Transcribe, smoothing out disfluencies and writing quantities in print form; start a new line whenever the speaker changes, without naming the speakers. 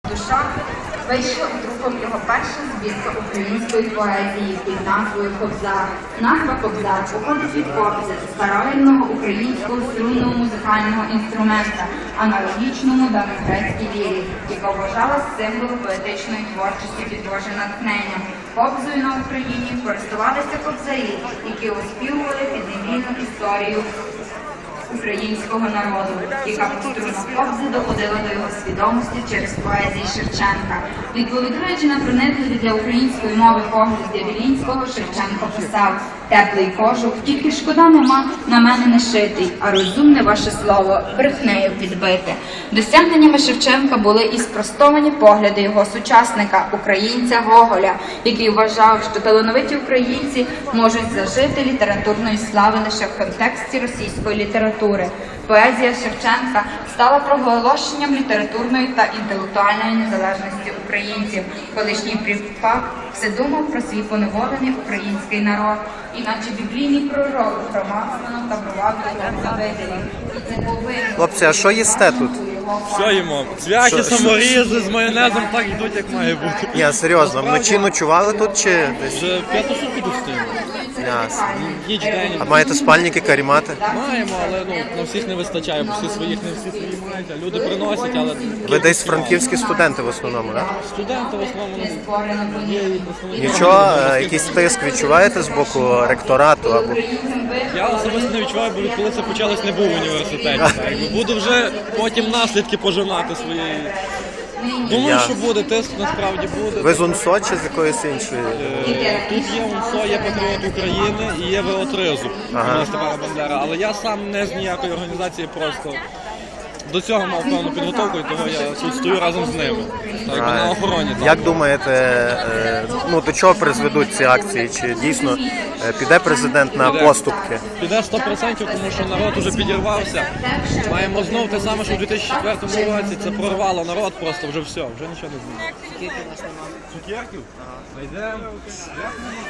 Душа вийшла друком його перша збірка української поезії під назвою «Кобзар». Назва «Кобзар» походить від кобзи, старовинного українського струнного музикального інструмента, аналогічному давньогрецькій лірі, яка вважалась символом поетичної творчості підвожена натхненням. Кобзою на Україні користувалися кобзарі, які оспівували підневільну історію українського народу, яка по струнах кобзи доходила до його свідомості через поезії Шевченка. Відповідаючи на проникливі для української мови погляд Дявілінського, Шевченко писав: «Теплий кожух, тільки шкода нема на мене не шитий, а розумне ваше слово брехнею підбите». Досягненнями Шевченка були і спростовані погляди його сучасника, українця Гоголя, який вважав, що талановиті українці можуть зажити літературної слави лише в контексті російської літератури. Поезія Шевченка стала проголошенням літературної та інтелектуальної незалежності українців. Колишній Пріпак все думав про свій поневолений український народ, іначе біблійний пророк промацано та провадив завиділі.
Хлопці, а що їсте тут?
Все їмо. Цвяхи, саморізи з майонезом так йдуть, як має бути.
Ні, серйозно, вночі ночували тут чи десь?
Вже п'яту сутки тут стоїмо.
Ясно.
Ніч день.
А маєте спальники, карімати?
Маємо, але на всіх не вистачає, бо всі своїх не всі свої мають. А люди приносять, але...
Ви десь франківські студенти в основному, так?
Студенти в основному є і представники.
Нічого, якийсь тиск відчуваєте з боку ректорату або...
Я особисто не відчуваю, бо відколи це почалось, не був в університеті. Так, буду вже потім наслідки пожинати своєї... Думаю, що буде, тиск насправді буде.
Ви з УНСО чи з якоїсь іншої?
Тут є УНСО, є Патріот України і є ВО-ТРИЗу імені Степана Бандери. Але я сам не з ніякої організації, просто до цього мав певну підготовку, і того я тут стою разом з ними. Так, на охороні.
Як думаєте, до чого призведуть ці акції? Чи дійсно піде президент на поступки?
Піде 100%, тому що народ уже підірвався. Маємо знов те саме, що в 2004 році. Це прорвало народ просто, вже все, вже нічого не знає. Цукерків? Знайдемо.